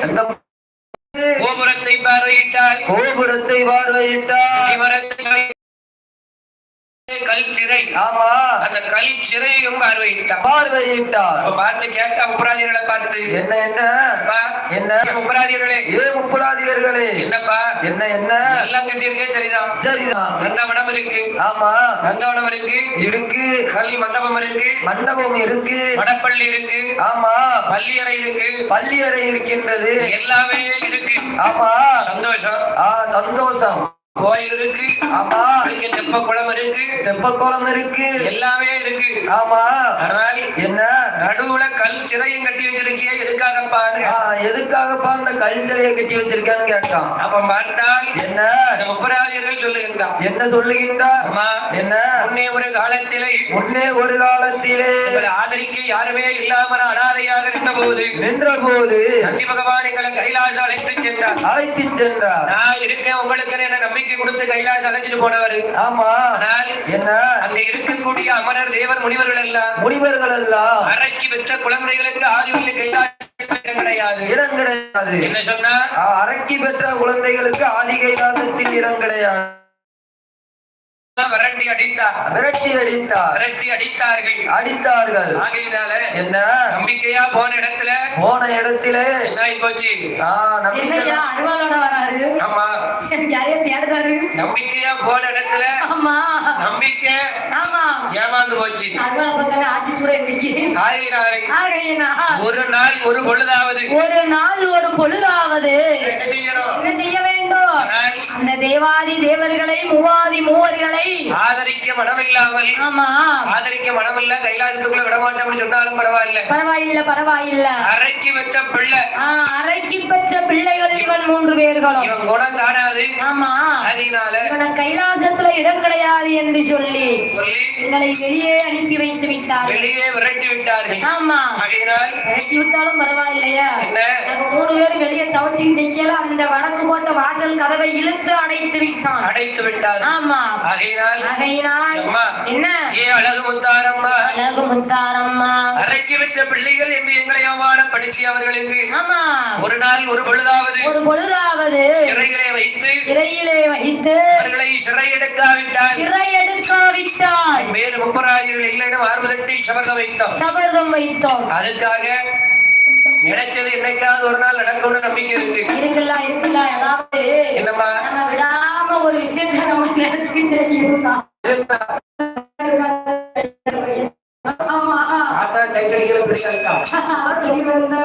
கோபுரத்தை பார்வையிட்டார். கல் சிறை. ஆமா, அந்த கல் சிறையும் பார்வையிட்டார். பார்த்து கேட்டா முப்பராதிகளை பார்த்து, என்ன என்ன என்ன முப்பராதிகளே, முப்பராதிகளே, என்னப்பா என்ன என்ன எல்லாம் கட்டியிருக்கே? சரிதான் சரிதான். நந்தவனம் இருக்கு. ஆமா, நந்தவனம் இருக்கு. கல் மண்டபம் இருக்கு. மண்டபம் இருக்கு. வடப்பள்ளி இருக்கு. ஆமா, பள்ளியறை இருக்கு. பள்ளியறை இருக்கின்றது. எல்லாமே இருக்கு. ஆமா, சந்தோஷம். சந்தோஷம். கோயில் இருக்கு. ஆமா, தெப்பக்குளம் இருக்கு. தெப்பக்குளம் இருக்கு. எல்லாமே இருக்கு. ஆமா, ஆனால் என்ன நடுவுல கல் சிறையும் கட்டி வச்சிருக்கிய? எதுக்காகப்பா? எதுக்காகப்பா அந்த கல் சிறையை கட்டி வச்சிருக்கான்னு கேட்டான். அப்ப பார்த்தால் என்ன முப்பராதியர்கள் சொல்லுகின்றான். என்ன சொல்லுகின்றார்? என்ன முன்னே ஒரு காலத்திலே ஆதரிக்க யாருமே இல்லாமல் அனாதையாக நின்ற போது நந்தி பகவான் எங்களை கைலாசம் அழைத்து சென்றார். நான் இருக்கேன் உங்களுக்கு என்ன நம்பிக்கை கொடுத்து கைலாசம் அழைச்சிட்டு போனவர். ஆமா, ஆனால் என்ன அங்க இருக்கக்கூடிய அமரர் தேவர் முனிவர்கள் எல்லாம் அறைக்கு பெற்ற குழந்தைகளுக்கு ஆதியில் கைலாசம் கிடையாது, இடம் கிடையாது. என்ன சொன்னா? அறைக்கு பெற்ற குழந்தைகளுக்கு ஆதி கைலாசத்தில் இடம் கிடையாது. விரட்டி அடித்தார்கள். ஆகையினால என்ன நம்பிக்கையா போன இடத்துல என்ன ஆகி போச்சு? ஆமா, நம்பிக்கையா போன இடத்துல நம்பிக்கை ஏமாந்து போச்சு. ஒரு நாள் ஒரு பொழுதாவது என்ன செய்ய வேண்டும்? அந்த தேவாதி தேவர்களை மூவாதி மூவர்களை ஆதரிக்க மனமில்லாமல், ஆதரிக்க மனமில்ல, கைலாசத்துக்குள்ள விடமாட்டோம்னு சொன்னாலும் பரவாயில்ல. அரைக்கு பெற்ற பிள்ளைகள் இவன் 3 பேர்களும். இவன் குணம் காணாது. ஆமா, அதனால இவன் கைலாசத்துல இடம் கிடையாது என்று சொல்லி எங்களை வெளியே அனுப்பி வைத்து விட்டார்கள். வெளியே விரட்டி விட்டார்கள். ஆமா, அதனால் விரட்டி விட்டாலும் பரவாயில்லையா? என்ன 3 பேர் வெளியே தவச்சி நிக்கல. அந்த வடக்கு கோட்டை வாசல் கதவை இழுத்து அடைத்து விட்டார். ஆமா, ஆகையினால் என்ன? அழகு முத்தாரம்மா அரைக்கி வைத்த பிள்ளைகள் என்று எங்களை அவமானப்படுத்தி அவர்களுக்கு ஒரு நாள் ஒரு பொழுதாவது சிறையிலே வைத்து அவர்களை சிறை எடுக்காவிட்டால் வேறு முப்பராஜர்கள் இல்லைன்னு ஆர்வத்தை சபதம் வைத்தோம். அதுக்காக நினைச்சது என்னைக்காவது ஒரு நாள் நடக்கும்னு நம்பிக்கை இருக்கலாம். என்னம்மா, விடாம ஒரு விஷயத்தை நம்ம நினைச்சுக்கிட்டே இருந்தா ஆத்தா சைட் அடிக்கிற